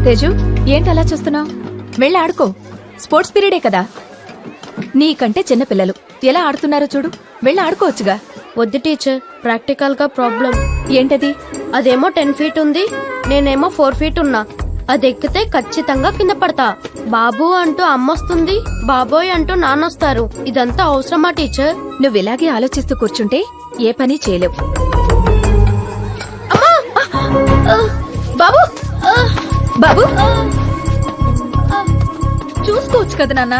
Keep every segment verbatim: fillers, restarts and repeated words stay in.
తేజు, ఏంటి అలా చూస్తున్నావు? వెళ్ళి ఆడుకో. స్పోర్ట్స్ పీరియడే కదా. నీకంటే చిన్న పిల్లలు ఎలా ఆడుతున్నారో చూడు. వెళ్ళి ఆడుకోవచ్చుగా. వద్దు టీచర్, ప్రాక్టికల్ గా ప్రాబ్లం. ఏంటది? అదేమో టెన్ ఫీట్ ఉంది, నేనేమో ఫోర్ ఫీట్ ఉన్నా. అది ఎక్కితే ఖచ్చితంగా కింద పడతా. బాబు అంటూ అమ్మొస్తుంది, బాబోయ్ అంటూ నాన్నొస్తారు. ఇదంతా అవసరమా టీచర్? నువ్వు ఇలాగే ఆలోచిస్తూ కూర్చుంటే ఏ పని చేయలేవు. బాబు బాబు చూసుకోవచ్చు కదా నాన్న.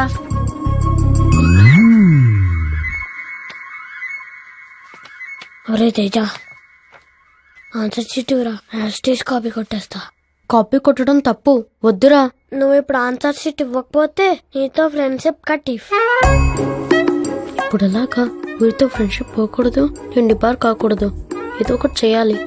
ఒరే తేజ, ఆన్సర్ షీట్ హ్యాస్టీస్ కాపీ కొట్టేస్తా. కాపీ కొట్టడం తప్పు, వద్దురా. నువ్వు ఇప్పుడు ఆన్సర్ షీట్ ఇవ్వకపోతే నీతో ఫ్రెండ్షిప్ కట్. ఇప్పుడు ఎలాగా? వీరితో ఫ్రెండ్షిప్ పోకూడదు, నేను డిబార్ కాకూడదు. ఏదో ఒకటి చేయాలి.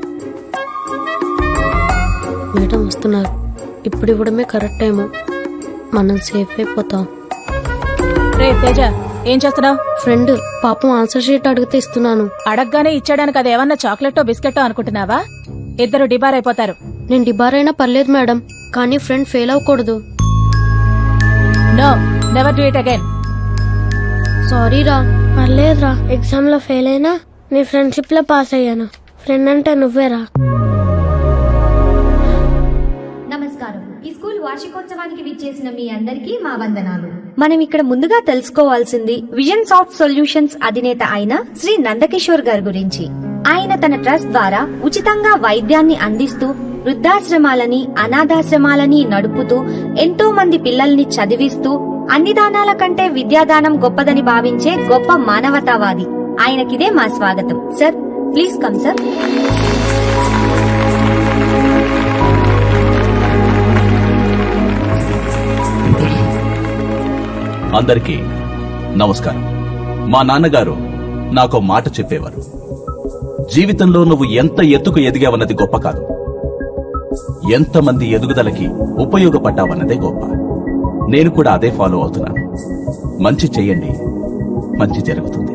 మేడం వస్తున్నారు, ఇప్పుడు ఇవ్వడమే కరెక్ట్ ఏమో. మనం సేఫ్ అయిపోతాం. రే తేజ, ఏం చేస్తున్నావు? ఫ్రెండ్ పాపం ఆన్సర్ షీట్ అడిగితే ఇస్తున్నాను. అడగగానే ఇచ్చాడానికి అది ఏమన్నా చాక్లెట్టో బిస్కెట్టో అనుకుంటున్నావా? ఇద్దరు డిబార్ అయిపోతారు. నేను డిబార్ అయినా పర్లేదు మేడం, కానీ ఫ్రెండ్ ఫెయిల్ అవ్వకూడదు. No, never do it again. Sorry రా. పర్లేదురా, ఎగ్జామ్ లో ఫెయిల్ అయినా నీ ఫ్రెండ్షిప్ లో పాస్ అయ్యాను. ఫ్రెండ్ అంటే నువ్వేరా. నమస్కారం. ఈ స్కూల్ వార్షికోత్సవానికి విచ్చేసిన మీ అందరికీ మా వందనాలు. మనం ఇక్కడ ముందుగా తెలుసుకోవాల్సింది విజన్ సాఫ్ట్ సొల్యూషన్స్ అధినేత అయిన శ్రీ నందకిషోర్ గారి గురించి. ఆయన తన ట్రస్ట్ ద్వారా ఉచితంగా వైద్యాన్ని అందిస్తూ వృద్ధాశ్రమాలని, అనాథాశ్రమాలని నడుపుతూ ఎంతో మంది పిల్లల్ని చదివిస్తూ అన్ని దానాల కంటే విద్యాదానం గొప్పదని భావించే గొప్ప మానవతావాది. ఆయనకిదే మా స్వాగతం. Sir, please come sir. అందరికీ నమస్కారం. మా నాన్నగారు నాకో మాట చెప్పేవారు. జీవితంలో నువ్వు ఎంత ఎత్తుకు ఎదిగావన్నది గొప్ప కాదు, ఎంతమంది ఎదుగుదలకి ఉపయోగపడ్డావన్నదే గొప్ప. నేను కూడా అదే ఫాలో అవుతున్నాను. మంచి చెయ్యండి, మంచి జరుగుతుంది.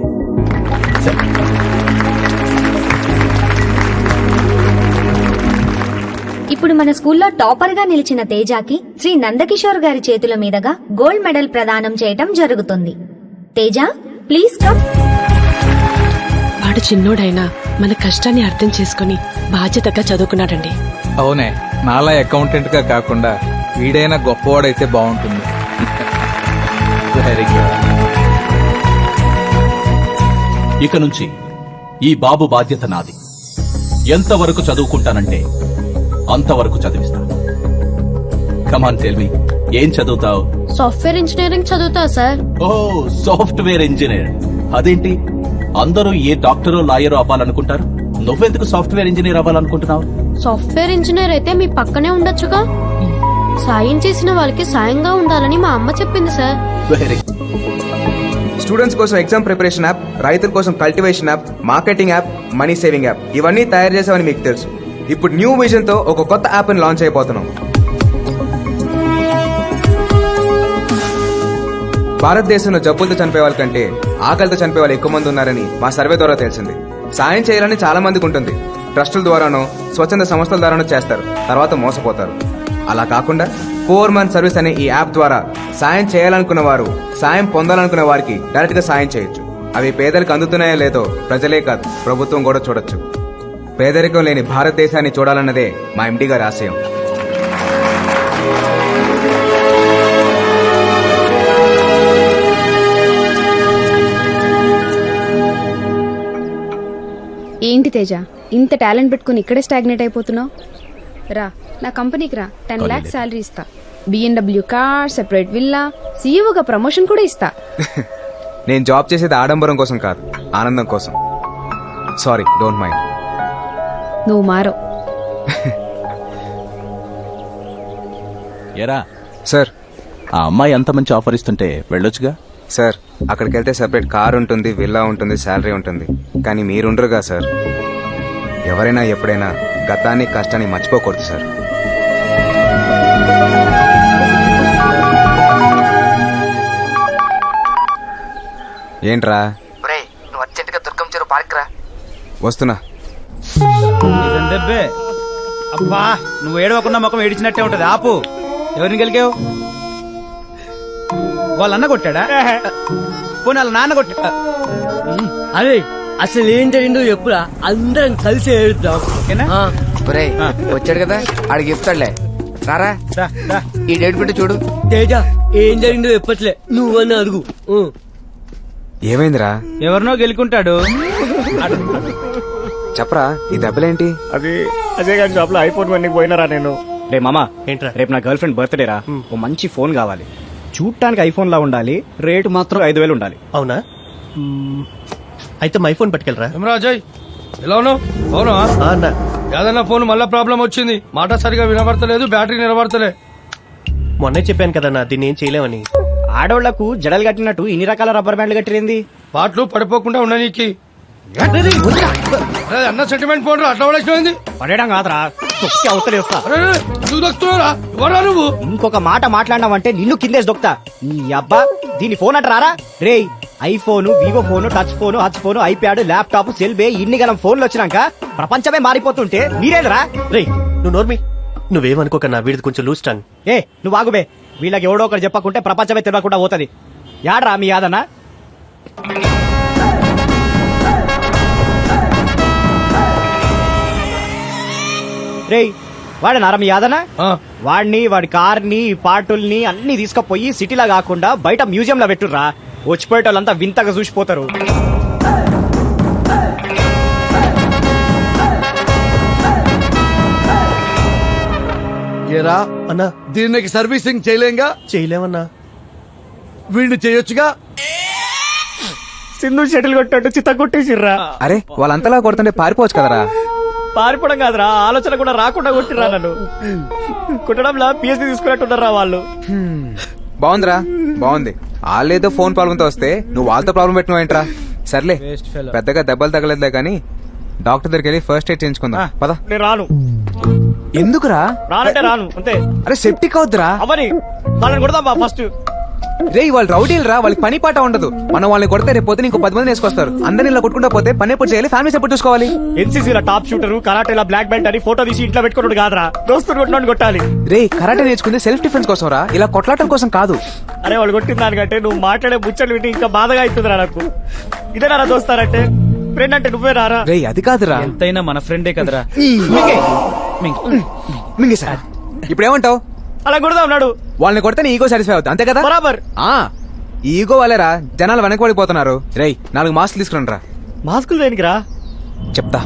ఇప్పుడు మన స్కూల్లో టాపర్ గా నిలిచిన తేజాకి శ్రీ నందకిషోర్ గారి చేతుల మీదుగా గోల్డ్ మెడల్ ప్రదానం చేయటం జరుగుతుంది. Teja, please come. వాడు చిన్నోడైనా మన కష్టాన్ని అర్థం చేసుకుని బాధ్యతగా చదువుకున్నాడండి. అవునే, నాలా అకౌంటెంట్ గా కాకుండా వీడైనా గొప్పవాడైతే బాగుంటుంది. Very good. ఇక నుంచి ఈ బాబు బాధ్యత నాది. ఎంతవరకు చదువుకుంటానంటే అంతవరకు చదివిస్తాను. కమాన్ టెల్ మీ, ఏం చదువుతావు? సాఫ్ట్వేర్ ఇంజనీరింగ్ చదువుతా సార్. Oh, software engineer. అదేంటి, అందరూ ఏ డాక్టరో లాయరో అవ్వాలనుకుంటారు, నువ్వెందుకు సాఫ్ట్వేర్ ఇంజనీర్ అవ్వాలనుకుంటున్నావు? సాఫ్ట్వేర్ ఇంజనీర్ అయితే మీ పక్కనే ఉండొచ్చుగా. సాయం చేసిన వాళ్ళకి సాయంగా ఉండాలని మా అమ్మ చెప్పింది సార్. వెరీ స్టూడెంట్స్ కోసం ఎగ్జామ్ ప్రిపరేషన్ యాప్, రైతుల కోసం cultivation app, marketing app, money saving app, ఇవన్నీ తయారు చేసామని మీకు తెలుసు. ఇప్పుడు న్యూ విజన్ తో ఒక కొత్త యాప్ ని లాంచ్ అయిపోతున్నాం. భారతదేశంలో జబ్బులతో చనిపోయే వాళ్ళ కంటే ఆకలితో చనిపోయే వాళ్ళు ఎక్కువ మంది ఉన్నారని మా సర్వే ద్వారా తెలిసింది. సాయం చేయాలని చాలా మందికి ఉంటుంది. ట్రస్టుల ద్వారానో స్వచ్ఛంద సంస్థల ద్వారానో చేస్తారు, తర్వాత మోసపోతారు. అలా కాకుండా ఫోర్ మంత్ సర్వీస్ అనే ఈ యాప్ ద్వారా సాయం చేయాలనుకున్న వారు, సాయం పొందాలనుకున్న వారికి డైరెక్ట్ గా సాయం చేయొచ్చు. అవి పేదలకు అందుతున్నాయో లేదో ప్రజలే కాదు, ప్రభుత్వం కూడా చూడొచ్చు. పేదరికం లేని భారతదేశాన్ని చూడాలన్నదే మా ఎండీ గారి ఆశయం. ఏంటి తేజ, ఇంత టాలెంట్ పెట్టుకుని ఇక్కడే స్టాగ్నేట్ అయిపోతున్నావు? రా నా కంపెనీకి రా, టెన్ లాక్స్ శాలరీ ఇస్తా, బిఎండబ్ల్యూ కార్, సెపరేట్ విల్లా, సీఈఓగా ప్రమోషన్ కూడా ఇస్తా. నేను జాబ్ చేసేది ఆడంబరం కోసం కాదు, ఆనందం కోసం. Sorry, don't mind. నువ్వు మారో. ఎరా సార్, ఆ అమ్మాయి అంత మంచి ఆఫర్ ఇస్తుంటే వెళ్ళొచ్చుగా. సార్, అక్కడికి వెళ్తే సెపరేట్ కార్ ఉంటుంది, విల్లా ఉంటుంది, శాలరీ ఉంటుంది. కానీ మీరుండరుగా సార్. ఎవరైనా ఎప్పుడైనా గతాన్ని, కష్టాన్ని మర్చిపోకూడదు సార్. ఏంట్రా? నువ్వు అర్జెంట్ గా దుర్గం చెరువు పార్క్ రా. వస్తున్నా. అబ్బా, నువ్వు ఏడవకుండా ముఖం ఏడిచినట్టే ఉంటది. ఆపు. ఎవరిని గెలికావు? వాళ్ళ అన్న కొట్టాడా? పోనీ వాళ్ళ నాన్న కొట్టా? అరే అసలు ఏం జరిగిందో చెప్పురా, అందరం కలిసి ఏడుద్దాం. ఒరేయ్ వచ్చాడు కదా ఆడికి చెప్తాడులే. రారా ఈ డేట్ పెట్టి చూడు. తేజ ఏం జరిగిందో చెప్పట్లే, నువ్వన్నా అడుగు. ఏమైందిరా? ఎవరినో గెలుకుంటాడు. చెప్పరా ఈ దెబ్బలేంటి? అది అజయ్ గారి షాప్ లో ఐఫోన్ వన్ పోయినరా నేను. రే మామా, ఏంట్రా? రేపు నా గర్ల్ ఫ్రెండ్ బర్త్డే రా. ఓ మంచి ఫోన్ కావాలి. చూడటానికి ఐఫోన్ లా ఉండాలి, రేటు మాత్రం ఐదు వేలు ఉండాలి. అవునా? మ్మ్. అయితే మా ఐఫోన్ పట్టుకెళ్ళరా. అజయ్ ఎలా ఉన్నావు? అవునా ఆ అన్న, ఏదన్నా ఫోన్ మళ్ళా ప్రాబ్లం వచ్చింది, మాట సరిగా వినబడతలేదు, బ్యాటరీ నిలబడతలే. మొన్నే చెప్పాను కదన్నా దీన్ని ఏం చేయలేమని. ఆడోళ్లకు జడలు కట్టినట్టు ఇన్ని రకాల రబ్బర్ బ్యాండ్లు కట్టిరింది. పాటలు పడిపోకుండా ఉండనీకి. అరే అన్న సెంటిమెంట్ ఫోన్ రా, అట్లా పడేసిపోయింది. పడేయడం కాదురా, తొక్కి అవతలే వస్తా. అరే నువ్వు దొక్కుతున్నారా? ఎవరా నువ్వు? ఇంకొక మాట మాట్లాడినావంటే నిన్ను కిందేసి దొక్తా. నీ అబ్బా దీని ఫోన్ అంటారా? రే iPhone, Vivo phone, touch phone, Hutch phone, iPad, laptop, సెల్బే ఇన్ని గలం ఫోన్లు వచ్చినాక ప్రపంచమే మారిపోతుంటే మీరేదరా? రే నువ్వు నోర్మి, నువ్వేమనుకోకన్నా వీడిది కొంచెం లూజ్ టంగ్. ఏ నువ్వు ఆగుబే, వీళ్ళకి ఎవడో ఒకటి చెప్పకుంటే ప్రపంచమే తెలియకుండా పోతుంది. యాడ్రా మీ యాదన్నా? రేయ్ వాడనారా మీ యాదనా? వాడిని, వాడి కార్ని, పార్టుల్ని అన్ని తీసుకుపోయి సిటీలా కాకుండా బయట మ్యూజియం లో పెట్టుర్రా. వచ్చిపోయేటోళ్ళంతా వింతగా చూసిపోతారు. ఏరా అన్నా దీనికి సర్వీసింగ్ చేయలేంగా? చేయలేమన్నా. వీడిని చేయొచ్చుగా. సింధు షటిల్ కొట్టాడు, చిత్త కొట్టేసిర్రా. అరే వాళ్ళంతలా కొడుతుంటే పారిపోవచ్చు కదరా. పారిపోవడం కాదురా, ఆలోచన కూడా రాకుండా కొట్టిర్రా నన్ను. కుట్టడంలా పిఎస్సీ తీసుకున్నట్టున్నారా వాళ్ళు. బాగుందిరా, బాగుంది. వాళ్ళేదో ఫోన్ ప్రాబ్లంతో వస్తే నువ్వు వాళ్ళతో ప్రాబ్లం పెట్టినావు ఏంట్రా? సర్లే పెద్దగా దెబ్బలు తగలేదులే కానీ డాక్టర్ దగ్గరికి వెళ్ళి ఫస్ట్ ఎయిడ్ చేయించుకుందాం పద. నేను రాను. ఎందుకురా? రానంటే రాను అంతే. అరే సెప్టిక్ అవుద్దురా. అవని వాళ్ళని కొడదాం ఫస్ట్. రే వాళ్ళు రౌడీలు రా, వాళ్ళకి పని పాట ఉండదు. మనం వాళ్ళని కొడితే రేపు పొద్దున ఇంకో పది మంది వేసుకొస్తారు. అందరిని ఇలా కొట్టుకుంటా పోతే పని ఎప్పుడు చేయాలి, ఫ్యామిలీస్ ఎప్పుడు చూసుకోవాలి? ఎన్సీసీలో టాప్ షూటర్, కరాటేలా బ్లాక్ బెల్ట్ అని ఫోటో తీసి ఇంట్లో పెట్టుకున్నాడు కాదురా, దోస్తులు కొట్టినోడు కొట్టాలి. రే కరాటే నేర్చుకుంది సెల్ఫ్ డిఫెన్స్ కోసం రా, ఇలా కొట్లాటం కోసం కాదు. అరే వాళ్ళు కొట్టిన దానికంటే నువ్వు మాట్లాడే ముచ్చట్లు వింటే ఇంకా బాధగా అవుతుందిరా నాకు. ఇదే నారా దోస్తారంటే, ఫ్రెండ్ అంటే నువ్వే రారా. రే అది కాదురా, ఎంతైనా మన ఫ్రెండే కదరా. మింగే సార్ ఇప్పుడు ఏమంటావు? అలా కొడదా ఉన్నాడు. వాళ్ళని కొడితే నీ ఈగో సాటిస్ఫై అవుతుంది అంతే కదా? బరాబర్. ఆ ఈగో వాళ్ళేరా జనాలు వెనకబడిపోతున్నారు. రేయ్ నాలుగు మాస్కులు తీసుకురండి రా. మాస్కులు దేనికి రా? చెప్తా.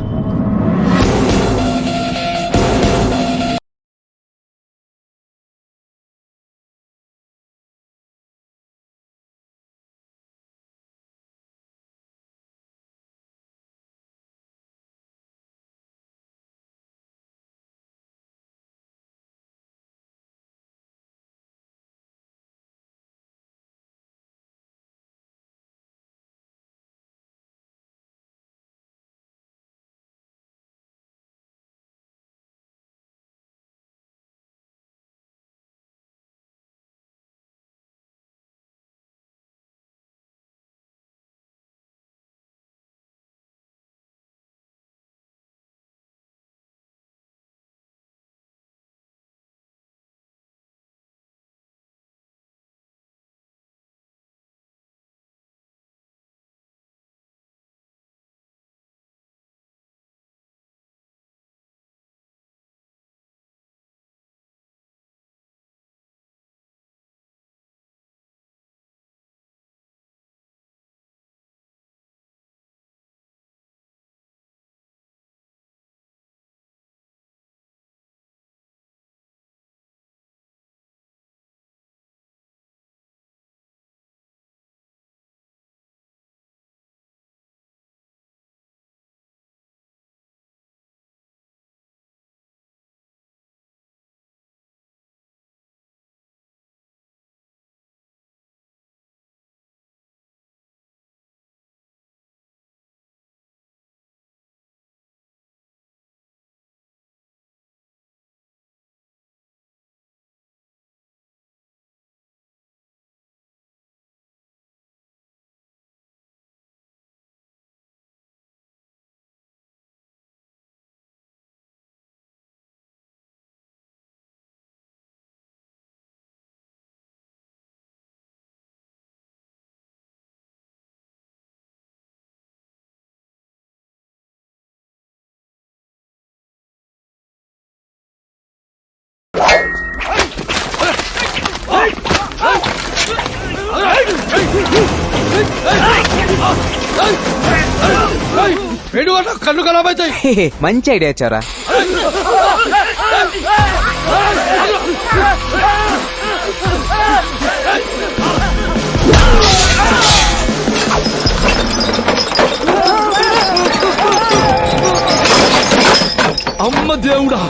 కళ్ళు కలబైతాయి. మంచి ఐడియా ఇచ్చారా. అమ్మ దేవుడా.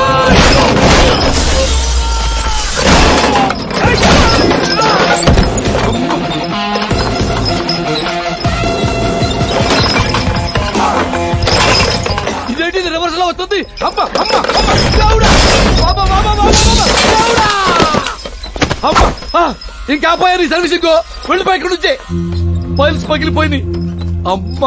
ఇదేంటి రివర్స్ లో వస్తుంది. అమ్మ అమ్మ అమ్మ దేవుడా. బాబా బాబా బాబా దేవుడా. అమ్మ ఆ, ఇంకా పోయారు ఈ సర్వీసింగ్. వెళ్ళిపోయి ఇక్కడ నుంచే ఫైల్స్ పగిలిపోయింది. అమ్మ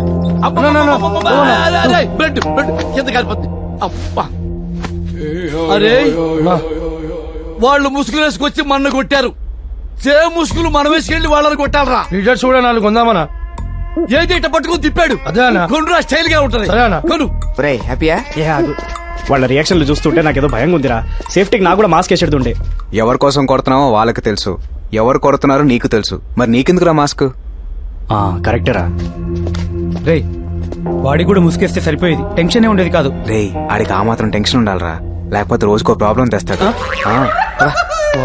బ్లడ్ బ్లడ్ కింద కాలిపోతుంది. అమ్మ అరే వాళ్ళు ముసుగులు వేసుకొచ్చి మన్ను కొట్టారు. సే ముసుగులు మనం వేసుకెళ్ళి వాళ్ళని కొట్టాలరా. లీడర్ చూడ నాలుగు కొందామనా. ఏదైతే పట్టుకుని తిప్పాడు. అదేనా కొనురా స్టైల్ గా ఉంటది. కొను. హ్యాపీయా. వాళ్ళ రియాక్షన్లు చూస్తుంటే నాకేదో భయంగా ఉందిరా. సేఫ్టీకి నాకు కూడా మాస్క్ వేసేడుతుండే. ఎవరి కోసం కొడుతున్నావో వాళ్ళకి తెలుసు, ఎవరు కొడుతున్నారో నీకు తెలుసు. మరి నీకెందుకురా మాస్క్? కరెక్టరా. రే వాడికి కూడా ముసుకేస్తే సరిపోయేది, టెన్షన్ ఉండేది కాదు. రే ఆడికి ఆ మాత్రం టెన్షన్ ఉండాలరా, లేకపోతే రోజుకో ప్రాబ్లం తెస్తాడు. ఆ, రా.